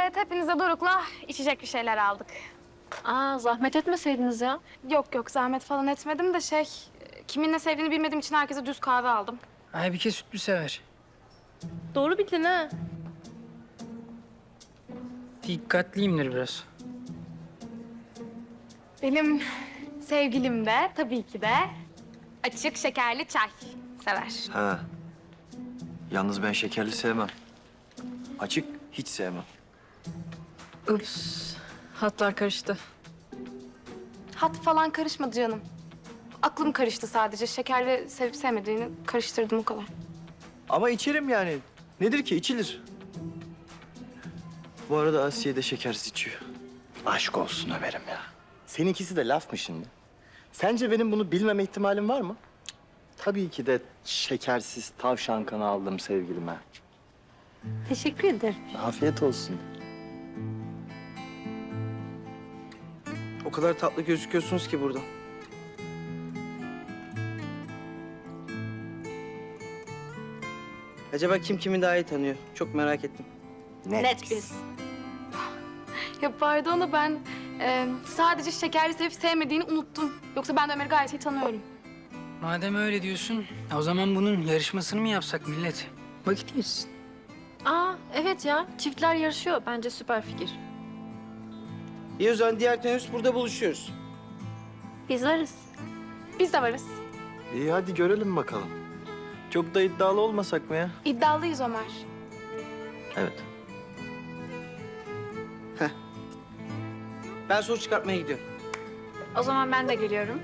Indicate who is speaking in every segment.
Speaker 1: Evet, hepinize Doruk'la içecek bir şeyler aldık.
Speaker 2: Aa, zahmet etmeseydiniz ya.
Speaker 1: Yok, zahmet falan etmedim de kimin ne sevdiğini bilmediğim için herkese düz kahve aldım.
Speaker 3: Aybike sütlü sever.
Speaker 2: Doğru bildin ha.
Speaker 3: Dikkatliyimdir biraz.
Speaker 1: Benim sevgilim de tabii ki de açık şekerli çay sever.
Speaker 4: Ha. Yalnız ben şekerli sevmem. Açık hiç sevmem.
Speaker 2: Ups, hatlar karıştı.
Speaker 1: Hat falan karışmadı canım. Aklım karıştı sadece. Şekerli sevip sevmediğini karıştırdım o kadar.
Speaker 4: Ama içerim yani. Nedir ki? İçilir. Bu arada Asiye de şekersiz içiyor. Aşk olsun Ömer'im ya. Seninkisi de laf mı şimdi? Sence benim bunu bilmeme ihtimalim var mı? Cık, tabii ki de şekersiz tavşan kanı aldım sevgilime.
Speaker 2: Teşekkür ederim.
Speaker 4: Afiyet olsun.
Speaker 5: O kadar tatlı gözüküyorsunuz ki burada. Acaba kim kimi daha iyi tanıyor? Çok merak ettim.
Speaker 2: Net biz.
Speaker 1: Ya pardon da ben sadece şekerli sevip sevmediğini unuttum. Yoksa ben de Ömer'i gayet iyi tanıyorum.
Speaker 3: Madem öyle diyorsun, o zaman bunun yarışmasını mı yapsak millet? Vakit geçsin.
Speaker 2: Aa, evet ya. Çiftler yarışıyor. Bence süper fikir.
Speaker 5: İyi o zaman diğer teneffüs burada buluşuyoruz.
Speaker 2: Biz varız.
Speaker 1: Biz de varız.
Speaker 4: İyi hadi görelim bakalım. Çok da iddialı olmasak mı ya?
Speaker 1: İddialıyız Ömer.
Speaker 4: Evet.
Speaker 5: Ben soru çıkartmaya gidiyorum.
Speaker 2: O zaman ben de geliyorum.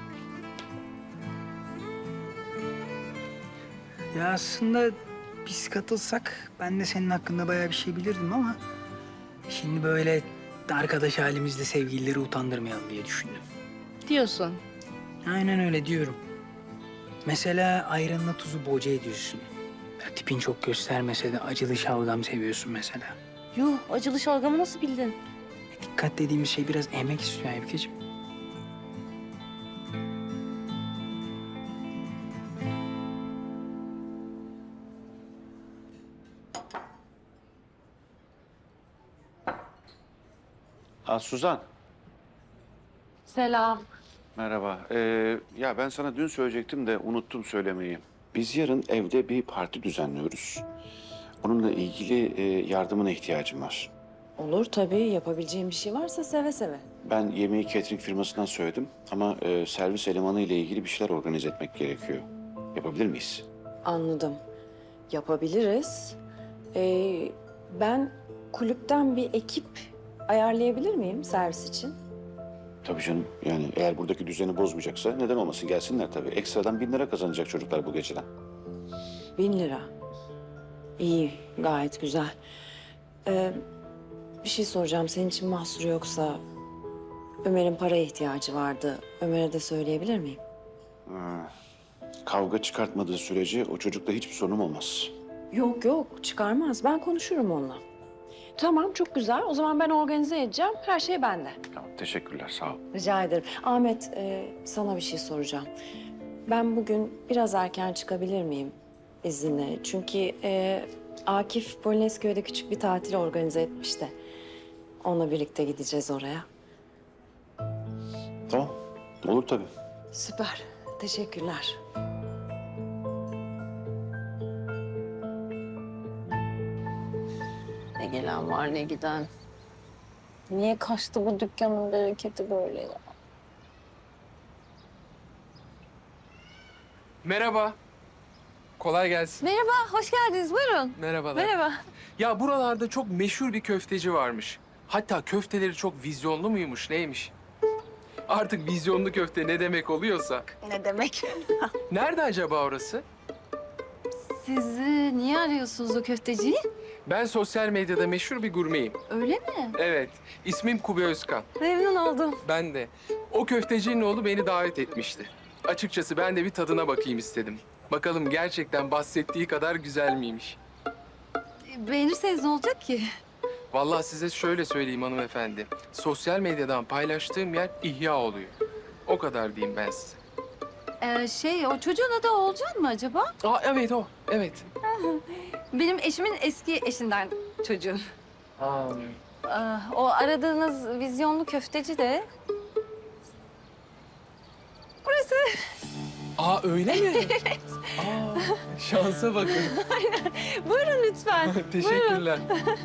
Speaker 3: Ya aslında biz katılsak ben de senin hakkında bayağı bir şey bilirdim ama... ...şimdi böyle arkadaş halimizde sevgilileri utandırmayalım diye düşündüm.
Speaker 2: Diyorsun.
Speaker 3: Aynen öyle diyorum. Mesela ayranla tuzu boca ediyorsun. Ya tipin çok göstermese de acılı şalgam seviyorsun mesela.
Speaker 2: Yuh, acılı şalgamı nasıl bildin?
Speaker 3: Dikkat dediğimiz şey biraz emek istiyor Aybikeciğim.
Speaker 6: Ha Suzan,
Speaker 2: Selam.
Speaker 6: merhaba. Ya ben sana dün söyleyecektim de unuttum söylemeyi. Biz yarın evde bir parti düzenliyoruz. Onunla ilgili yardımına ihtiyacım var.
Speaker 7: Olur tabii. Yapabileceğim bir şey varsa seve seve.
Speaker 6: Ben yemeği catering firmasından söyledim ama servis elemanı ile ilgili bir şeyler organize etmek gerekiyor. Yapabilir miyiz?
Speaker 7: Anladım. Yapabiliriz. Ben kulüpten bir ekip ayarlayabilir miyim servis için?
Speaker 6: Tabii canım. Yani eğer buradaki düzeni bozmayacaksa neden olmasın, gelsinler tabii. Ekstradan 1000 lira kazanacak çocuklar bu geceden.
Speaker 7: 1.000 lira. İyi, gayet güzel. Bir şey soracağım. Senin için mahsuru yoksa Ömer'in paraya ihtiyacı vardı. Ömer'e de söyleyebilir miyim?
Speaker 6: Kavga çıkartmadığı sürece o çocukla hiçbir sorunum olmaz.
Speaker 7: Yok, çıkarmaz. Ben konuşurum onunla. Tamam, çok güzel. O zaman ben organize edeceğim. Her şey bende.
Speaker 6: Tamam, teşekkürler, sağ ol.
Speaker 7: Rica ederim. Ahmet, sana bir şey soracağım. Ben bugün biraz erken çıkabilir miyim izinle? Çünkü Akif Polonezköy'de küçük bir tatil organize etmiş de. Onunla birlikte gideceğiz oraya.
Speaker 6: Tamam, olur tabii.
Speaker 7: Süper. Teşekkürler.
Speaker 2: Ne gelen var ne giden. Niye kaçtı bu dükkanın bereketi böyle ya?
Speaker 8: Merhaba. Kolay gelsin.
Speaker 2: Merhaba, hoş geldiniz. Buyurun.
Speaker 8: Merhabalar.
Speaker 2: Merhaba.
Speaker 8: Ya buralarda çok meşhur bir köfteci varmış. Hatta köfteleri çok vizyonlu muymuş, neymiş? Artık vizyonlu köfte ne demek oluyorsa.
Speaker 2: Ne demek?
Speaker 8: Nerede acaba orası?
Speaker 2: Siz niye arıyorsunuz o köfteciyi?
Speaker 8: Ben sosyal medyada meşhur bir gurmeyim.
Speaker 2: Öyle mi?
Speaker 8: Evet, ismim Kubi Özkan.
Speaker 2: Memnun oldum.
Speaker 8: Ben de. O köftecinin oğlu beni davet etmişti. Açıkçası ben de bir tadına bakayım istedim. Bakalım gerçekten bahsettiği kadar güzel miymiş?
Speaker 2: Beğenirseniz ne olacak ki?
Speaker 8: Vallahi size şöyle söyleyeyim hanımefendi. Sosyal medyadan paylaştığım yer ihya oluyor. O kadar diyeyim ben size.
Speaker 2: O çocuğun adı Oğulcan mı acaba?
Speaker 8: Aa evet o, evet.
Speaker 2: Benim eşimin eski eşinden çocuğu. O aradığınız vizyonlu köfteci de burası.
Speaker 8: Aa öyle mi? Evet. Aa, şansa bakın.
Speaker 2: Buyurun lütfen.
Speaker 8: Teşekkürler.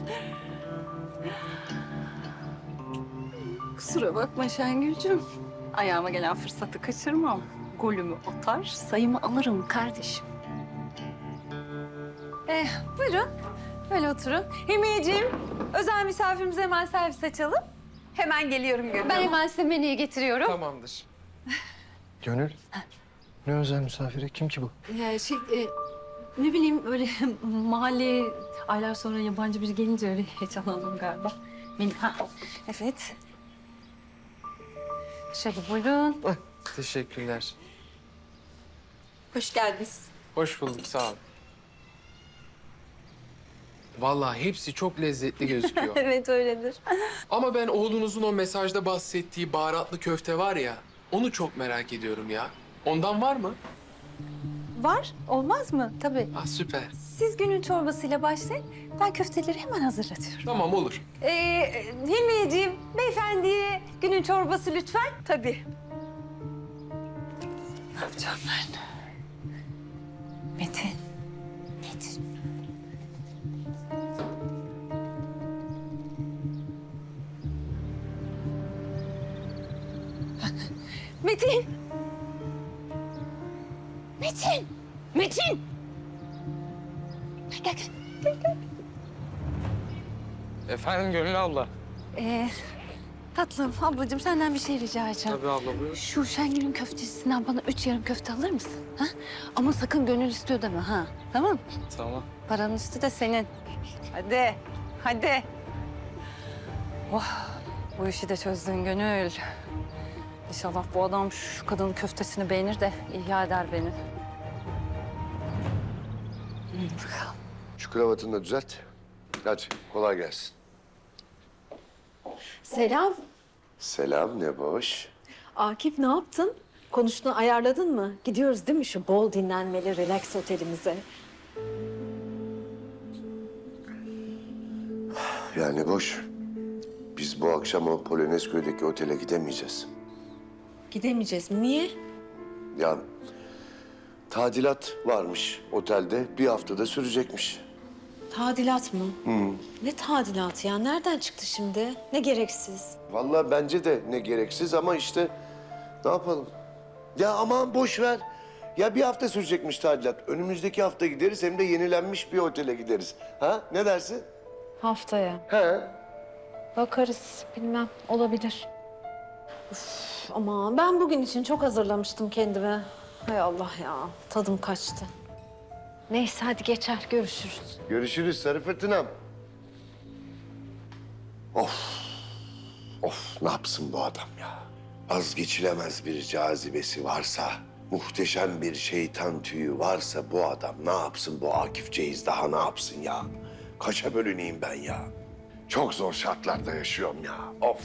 Speaker 2: Kusura bakma Şengül'cüm. Ayağıma gelen fırsatı kaçırmam. Golümü atar, sayımı alırım kardeşim. Buyurun. Böyle oturun. Himiyeciğim, özel misafirimize hemen servis açalım. Hemen geliyorum Gönül. Ben hemen size menüyü getiriyorum.
Speaker 8: Tamamdır.
Speaker 4: Gönül. Ne özel misafiri? Kim ki bu?
Speaker 2: Ne bileyim öyle mahalleye aylar sonra yabancı biri gelince öyle heyecanlandım galiba. Evet. Şöyle buyurun.
Speaker 8: Teşekkürler.
Speaker 2: Hoş geldiniz.
Speaker 8: Hoş bulduk, sağ ol. Vallahi hepsi çok lezzetli gözüküyor.
Speaker 2: Evet öyledir.
Speaker 8: Ama ben oğlunuzun o mesajda bahsettiği baharatlı köfte var ya, onu çok merak ediyorum ya. Ondan var mı?
Speaker 2: Var, olmaz mı? Tabii.
Speaker 8: Ah süper.
Speaker 2: Siz günün çorbasıyla başlayın. Ben köfteleri hemen hazırlatıyorum.
Speaker 8: Tamam olur.
Speaker 2: Hilmiyeciğim, beyefendiye günün çorbası lütfen. Tabii. Ne yapacağım ben? Metin. Metin. Metin. Metin. Metin. Gel gel.
Speaker 5: Efendim Gönül abla.
Speaker 2: Tatlım, ablacığım senden bir şey rica edeceğim.
Speaker 5: Tabii abla buyur.
Speaker 2: Şu Şengül'ün köftecisinden bana 3 yarım köfte alır mısın? Ha? Ama sakın Gönül istiyor deme ha. Tamam?
Speaker 5: Tamam.
Speaker 2: Paranın üstü de senin. Hadi, hadi. Oh, bu işi de çözdün Gönül. İnşallah bu adam şu kadının köftesini beğenir de ihya eder beni. Bakalım.
Speaker 9: Şu kravatını da düzelt. Hadi kolay gelsin.
Speaker 10: Selam.
Speaker 9: Selam ne boş.
Speaker 10: Akif ne yaptın? Konuştuğunu ayarladın mı? Gidiyoruz değil mi şu bol dinlenmeli relax otelimize?
Speaker 9: Yani boş. Biz bu akşam o Polonezköy'deki otele gidemeyeceğiz.
Speaker 10: Gidemeyeceğiz mi? Niye?
Speaker 9: Ya tadilat varmış otelde. Bir haftada sürecekmiş.
Speaker 10: Tadilat mı? Ne tadilatı ya? Nereden çıktı şimdi? Ne gereksiz.
Speaker 9: Vallahi bence de ne gereksiz ama işte ne yapalım? Ya aman boş ver. Ya bir hafta sürecekmiş tadilat. Önümüzdeki hafta gideriz hem de yenilenmiş bir otele gideriz. Ha? Ne dersin?
Speaker 10: Haftaya.
Speaker 9: He.
Speaker 10: Bakarız. Bilmem. Olabilir. Uf, ama ben bugün için çok hazırlamıştım kendime. Hay Allah ya. Tadım kaçtı. Neyse hadi geçer. Görüşürüz.
Speaker 9: Görüşürüz sarı fırtınam. Of ne yapsın bu adam ya? Az geçilemez bir cazibesi varsa, muhteşem bir şeytan tüyü varsa bu adam ne yapsın bu Akif Ceyiz daha ne yapsın ya? Kaça bölüneyim ben ya? Çok zor şartlarda yaşıyorum ya. Of.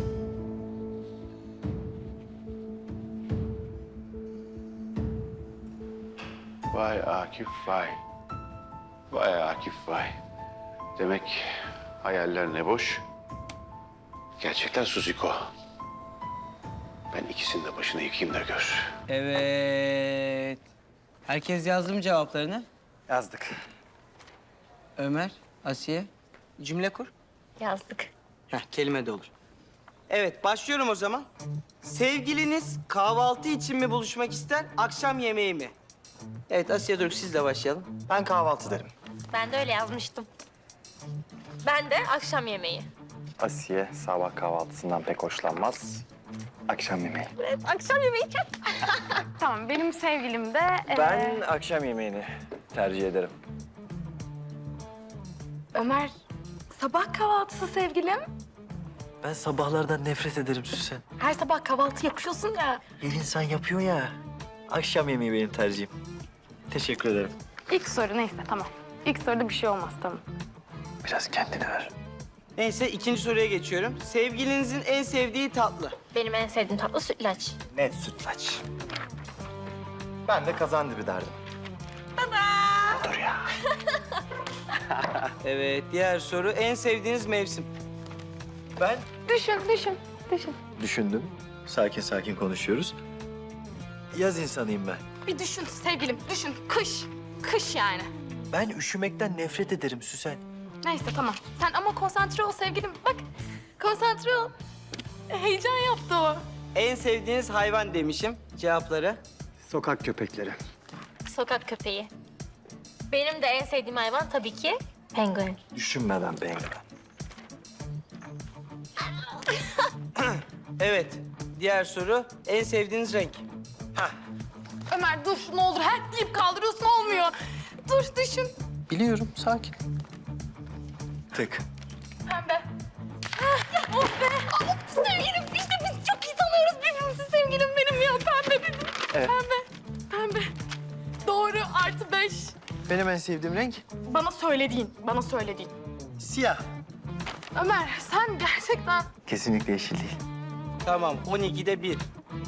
Speaker 6: Vay Akif vay. Vay Akif vay. Demek hayaller ne boş. Gerçekten Suziko. Ben ikisinin de başına yıkayayım da gör.
Speaker 5: Evet. Herkes yazdı mı cevaplarını?
Speaker 3: Yazdık.
Speaker 5: Ömer, Asiye. Cümle kur.
Speaker 2: Yazdık.
Speaker 3: Heh, kelime de olur.
Speaker 5: Evet, başlıyorum o zaman. Sevgiliniz kahvaltı için mi buluşmak ister, akşam yemeği mi? Evet, Asiye Doruk sizle başlayalım.
Speaker 4: Ben kahvaltı derim.
Speaker 11: Ben de öyle yazmıştım. Ben de akşam yemeği.
Speaker 4: Asiye sabah kahvaltısından pek hoşlanmaz. Akşam yemeği.
Speaker 11: Evet, akşam yemeği çok.
Speaker 1: Tamam, benim sevgilim de...
Speaker 4: Ben akşam yemeğini tercih ederim.
Speaker 1: Ömer, sabah kahvaltısı sevgilim.
Speaker 12: Ben sabahlardan nefret ederim Süsen.
Speaker 1: Her sabah kahvaltı yapıyorsun ya.
Speaker 12: Her insan yapıyor ya. Akşam yemeği benim tercihim. Teşekkür ederim.
Speaker 1: İlk soru neyse, tamam. İlk soruda bir şey olmaz, tamam.
Speaker 12: Biraz kendine ver.
Speaker 5: Neyse, ikinci soruya geçiyorum. Sevgilinizin en sevdiği tatlı.
Speaker 11: Benim en sevdiğim tatlı sütlaç.
Speaker 4: Net sütlaç. Ben de kazandibi derdim.
Speaker 12: Dur ya.
Speaker 5: Evet, diğer soru. En sevdiğiniz mevsim?
Speaker 3: Ben
Speaker 1: Düşün.
Speaker 12: Düşündüm. Sakin sakin konuşuyoruz. Yaz insanıyım ben.
Speaker 1: Bir düşün sevgilim, düşün. Kış yani.
Speaker 12: Ben üşümekten nefret ederim Süsen.
Speaker 1: Neyse tamam. Sen ama konsantre ol sevgilim. Bak, konsantre ol. Heyecan yaptı o.
Speaker 5: En sevdiğiniz hayvan demişim. Cevapları.
Speaker 3: sokak köpekleri.
Speaker 11: Sokak köpeği. Benim de en sevdiğim hayvan tabii ki penguen.
Speaker 12: Düşünmeden penguen.
Speaker 5: Evet, diğer soru. En sevdiğiniz renk?
Speaker 1: Ömer dur ne olur. Her deyip kaldırıyorsun olmuyor. Dur düşün.
Speaker 3: Biliyorum, sakin.
Speaker 12: Tık.
Speaker 1: Pembe. Oh be. Sevgilim işte biz çok iyi tanıyoruz birbirimizi sevgilim benim ya. Pembe dedim.
Speaker 12: Evet.
Speaker 1: Pembe. Doğru +5.
Speaker 12: Benim en sevdiğim renk
Speaker 1: Bana söylediğin.
Speaker 12: siyah.
Speaker 1: Ömer sen gerçekten...
Speaker 12: Kesinlikle yeşil değil.
Speaker 5: Tamam, 12'de 1.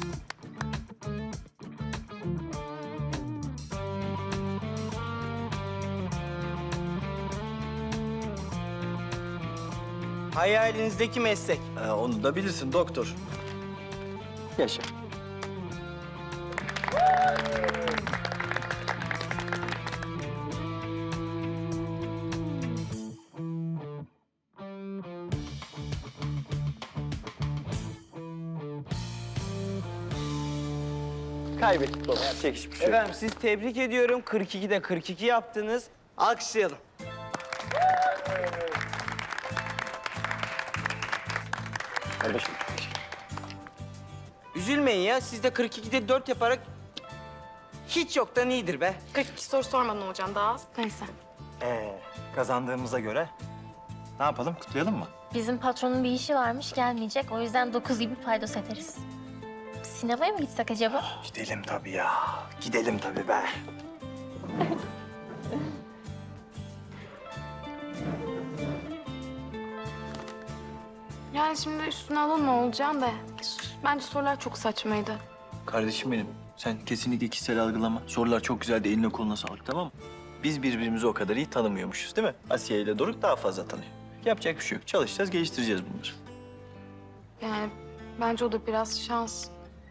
Speaker 5: Hayalinizdeki meslek?
Speaker 12: Onu da bilirsin doktor. Yaşa. Kaybettik baba. Yapacak hiçbir şey yok.
Speaker 5: Efendim siz tebrik ediyorum. 42'de 42 yaptınız. Alkışlayalım. Üzülmeyin ya. Siz de 42'de 4 yaparak hiç yoktan iyidir be.
Speaker 1: 42 soru sormadan hocam daha az. Neyse.
Speaker 12: Kazandığımıza göre ne yapalım? Kutlayalım mı?
Speaker 11: Bizim patronun bir işi varmış gelmeyecek. O yüzden 9 gibi paydos ederiz. Sinemaya mı gitsek acaba?
Speaker 12: Gidelim tabii ya. Gidelim tabii be.
Speaker 1: Yani şimdi üstüne alınma olacağım da. Bence sorular çok saçmaydı.
Speaker 12: Kardeşim benim, sen kesinlikle kişisel algılama. Sorular çok güzeldi, eline koluna sağlık, tamam mı? Biz birbirimizi o kadar iyi tanımıyormuşuz, değil mi? Asiye ile Doruk daha fazla tanıyor. Yapacak bir şey yok. Çalışacağız, geliştireceğiz bunları.
Speaker 1: Yani bence o da biraz şans.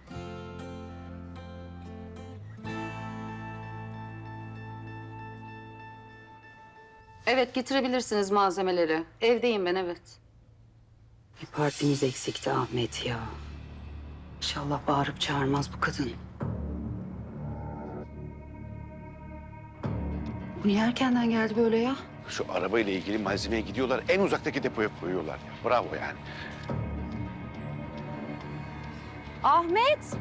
Speaker 13: Evet, getirebilirsiniz malzemeleri. Evdeyim ben, evet. Bir partimiz eksikti Ahmet ya. İnşallah bağırıp çağırmaz bu kadın. Bu niye erkenden geldi böyle ya?
Speaker 6: Şu arabayla ilgili malzemeye gidiyorlar. En uzaktaki depoya koyuyorlar. Ya. Bravo yani.
Speaker 10: Ahmet!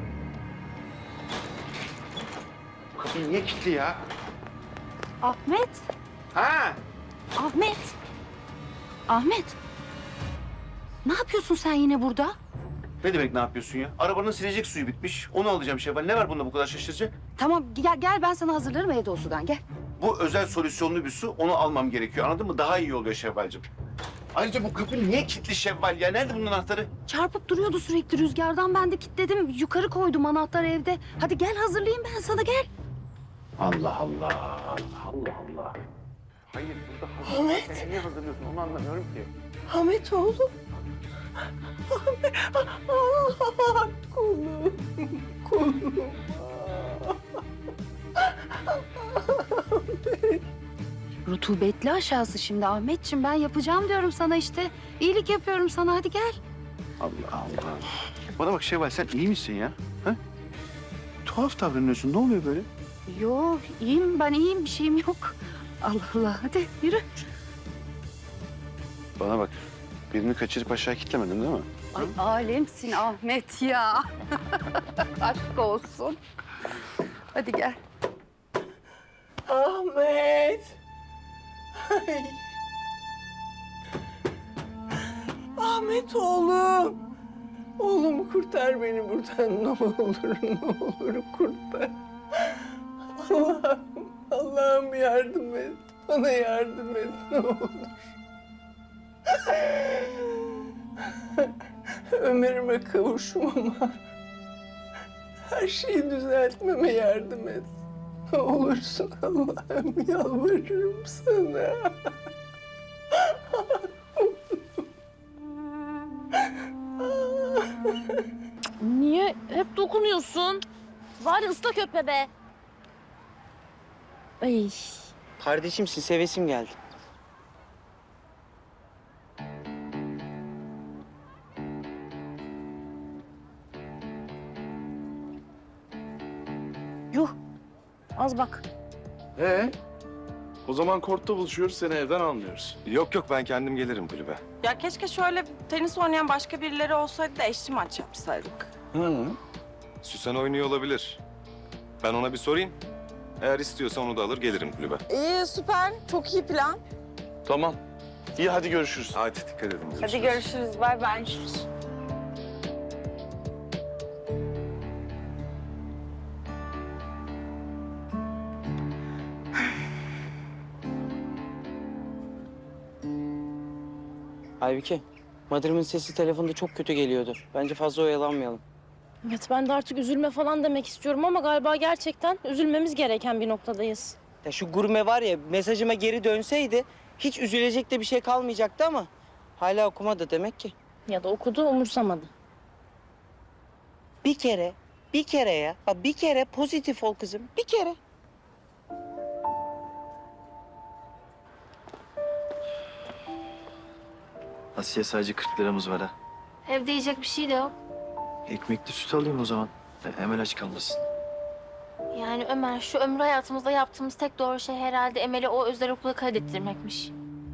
Speaker 6: Kapı niye kilitli ya?
Speaker 10: Ahmet!
Speaker 6: Ha?
Speaker 13: Ahmet! Ahmet! Ne yapıyorsun sen yine burada?
Speaker 6: Ne demek ne yapıyorsun ya? Arabanın silecek suyu bitmiş. Onu alacağım Şevval. Ne var bunda bu kadar şaşıracak?
Speaker 13: Tamam, gel ben sana hazırlarım evde o sudan, gel.
Speaker 6: Bu özel solüsyonlu bir su. Onu almam gerekiyor. Anladın mı? Daha iyi oluyor Şevval'cığım. Ayrıca bu kapı niye kilitli Şevval ya? Nerede bunun anahtarı?
Speaker 13: Çarpıp duruyordu sürekli rüzgardan, ben de kilitledim. Yukarı koydum anahtarı evde. Hadi gel hazırlayayım ben sana, gel.
Speaker 6: Allah Allah. Allah Allah. Hayır burada Ahmet. Niye hazırlıyorsun onu anlamıyorum ki.
Speaker 5: Ahmet oğlum.
Speaker 13: Rutubetli aşağısı şimdi Ahmetciğim. Ben yapacağım diyorum sana işte. İyilik yapıyorum sana, hadi gel.
Speaker 6: Allah Allah. Bana bak Şevval sen iyi misin ya? Ha? Tuhaf davranıyorsun. Ne oluyor böyle?
Speaker 13: Yok, iyiyim ben, iyiyim. Bir şeyim yok. Allah Allah, hadi yürü.
Speaker 6: Bana bak. Birini kaçırıp aşağı kitlemedin değil mi?
Speaker 13: Ay alemsin Ahmet ya. Aşk olsun. Hadi gel.
Speaker 5: Ahmet. Ay. Ahmet oğlum. Oğlum kurtar beni buradan ne olur kurtar. Allah'ım yardım et. Bana yardım et ne olur. Ömer'ime kavuşmama, her şeyi düzeltmeme yardım et.
Speaker 9: olursun Allah'ım, yalvarırım sana.
Speaker 11: Niye hep dokunuyorsun? Bari ıslak öpme be. Ay.
Speaker 5: Kardeşimsin, sevesim geldi.
Speaker 11: Yuh. Az bak.
Speaker 14: O zaman kortta buluşuyoruz, seni evden almıyoruz.
Speaker 4: Yok yok, ben kendim gelirim kulübe.
Speaker 15: Ya keşke şöyle tenis oynayan başka birileri olsaydı da eşli maç yapsaydık.
Speaker 4: Süsen oynuyor olabilir. Ben ona bir sorayım. Eğer istiyorsa onu da alır gelirim kulübe.
Speaker 15: İyi, süper. Çok iyi plan.
Speaker 14: Tamam. İyi, hadi görüşürüz.
Speaker 4: Hadi dikkat edin.
Speaker 15: Hadi görüşürüz. Bay bay.
Speaker 5: Aybike, Madrim'in sesi telefonda çok kötü geliyordu. Bence fazla oyalanmayalım.
Speaker 11: Evet, ben de artık üzülme falan demek istiyorum ama galiba gerçekten üzülmemiz gereken bir noktadayız.
Speaker 5: Ya şu gurme var ya, mesajıma geri dönseydi hiç üzülecek de bir şey kalmayacaktı ama hala okumadı demek ki.
Speaker 11: Ya da okudu, umursamadı.
Speaker 5: Bir kere ya. Bak bir kere pozitif ol kızım. Bir kere.
Speaker 12: Asiye, sadece 40 liramız var ha.
Speaker 11: Evde yiyecek bir şey de yok.
Speaker 12: Ekmekli süt alayım o zaman. Hemen aç kalmasın.
Speaker 11: Yani Ömer, şu ömrü hayatımızda yaptığımız tek doğru şey herhalde Emel'i o özel okula kaydettirmekmiş.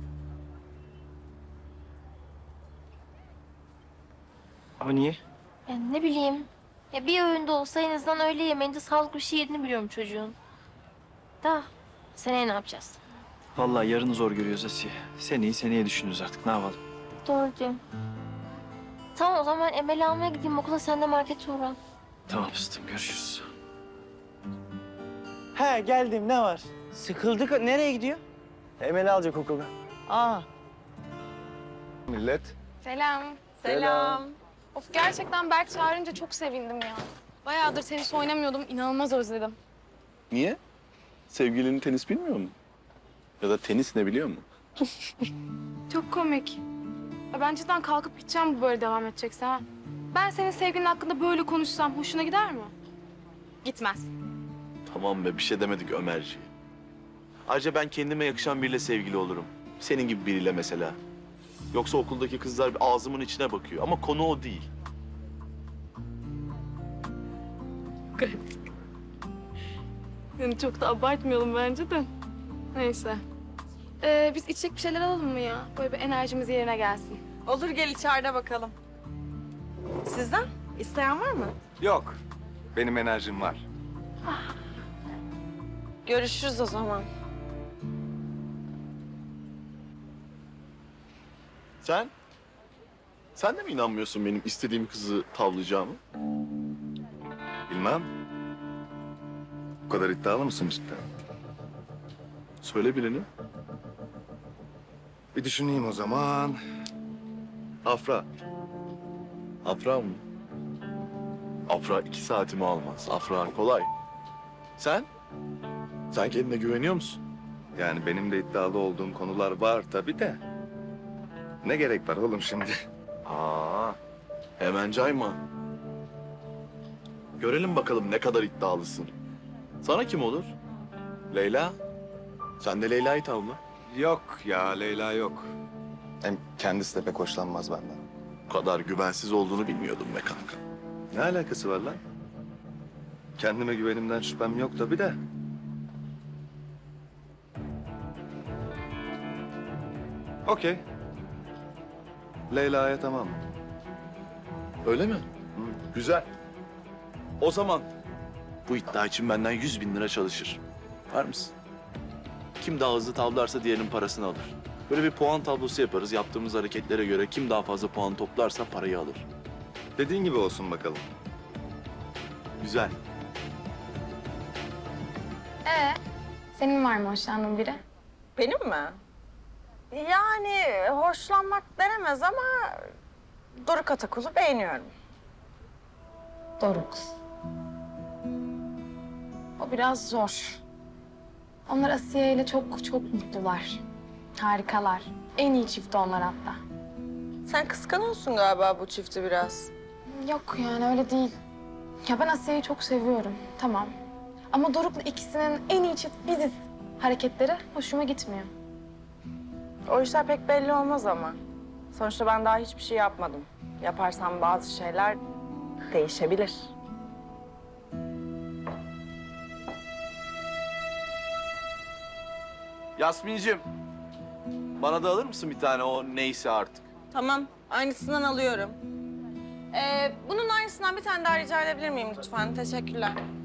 Speaker 12: Ama niye?
Speaker 11: Yani ne bileyim. Ya bir öğünde olsa en azından öğle yemeğinde sağlıklı bir şey yediğini biliyorum çocuğun. Da seneye ne yapacağız?
Speaker 12: Vallahi yarını zor görüyoruz Asiye. Seneye düşünürüz artık. Ne yapalım?
Speaker 11: Doğru diyorsun. Tamam, o zaman ben Emel'i almaya gideyim okula, sen de markete uğra.
Speaker 12: Tamam fıstığım, görüşürüz.
Speaker 5: He geldim, ne var? Sıkıldık. Nereye gidiyor?
Speaker 12: Emel'i alacak okulda.
Speaker 5: Aa.
Speaker 4: Millet.
Speaker 1: Selam.
Speaker 15: Selam.
Speaker 1: Of, gerçekten Berk çağırınca çok sevindim ya. Bayağıdır tenis oynamıyordum. İnanılmaz özledim.
Speaker 14: Niye? Sevgilinin tenis bilmiyor mu? Ya da tenis ne biliyor mu?
Speaker 1: Çok komik. Ya ben cidden kalkıp gideceğim bu böyle devam edecekse ha. Ben senin sevgilin hakkında böyle konuşsam hoşuna gider mi? Gitmez.
Speaker 14: Tamam be, bir şey demedik Ömerciğim. Ayrıca ben kendime yakışan biriyle sevgili olurum. Senin gibi biriyle mesela. Yoksa okuldaki kızlar ağzımın içine bakıyor ama konu o değil.
Speaker 1: Yani çok da abartmayalım bence de. Neyse. Biz içecek bir şeyler alalım mı ya? Böyle bir enerjimiz yerine gelsin.
Speaker 15: Olur, gel içeride bakalım. Sizden? İsteyen var mı?
Speaker 4: Yok. Benim enerjim var.
Speaker 15: Görüşürüz o zaman.
Speaker 14: Sen? Sen de mi inanmıyorsun benim istediğim kızı tavlayacağımı?
Speaker 4: Bilmem. Bu kadar iddialı mısın cidden?
Speaker 14: Söyle birini.
Speaker 4: Bir düşüneyim o zaman.
Speaker 14: Afra. Afra mı? Afra 2 saatimi almaz. Afra kolay. Sen? Sen kendine güveniyor musun?
Speaker 4: Yani benim de iddialı olduğum konular var tabii de. Ne gerek var oğlum şimdi?
Speaker 14: Aa, hemen cayma. Görelim bakalım ne kadar iddialısın. Sana kim olur? Leyla? Sen de Leyla'yı tavla.
Speaker 4: Yok ya, Leyla yok. Hem kendisi de pek hoşlanmaz benden.
Speaker 14: Bu kadar güvensiz olduğunu bilmiyordum be kanka.
Speaker 4: Ne alakası var lan? Kendime güvenimden şüphem yok tabii de. Okey. Leyla'ya tamam.
Speaker 14: Öyle mi? Güzel. O zaman bu iddia için benden 100.000 lira çalışır. Var mısın? Kim daha hızlı tavlarsa diğerinin parasını alır. Böyle bir puan tablosu yaparız. Yaptığımız hareketlere göre kim daha fazla puan toplarsa parayı alır.
Speaker 4: Dediğin gibi olsun bakalım.
Speaker 14: Güzel.
Speaker 1: Senin var mı hoşlandığın biri?
Speaker 15: Benim mi? Yani hoşlanmak denemez ama Doruk Atakul'u beğeniyorum.
Speaker 1: Doruk. O biraz zor. Onlar Asiye ile çok mutlular. Harikalar. En iyi çift onlar hatta.
Speaker 15: Sen kıskanıyorsun galiba bu çifti biraz.
Speaker 1: Yok yani öyle değil. Ya ben Asiye'yi çok seviyorum. Tamam. Ama Doruk'la ikisinin en iyi çift biziz hareketleri hoşuma gitmiyor.
Speaker 15: O işler pek belli olmaz ama. Sonuçta ben daha hiçbir şey yapmadım. Yaparsam bazı şeyler değişebilir.
Speaker 14: Yasmin'cim, bana da alır mısın bir tane o neyse artık?
Speaker 15: Tamam, aynısından alıyorum. Bunun aynısından bir tane daha rica edebilir miyim lütfen? Teşekkürler.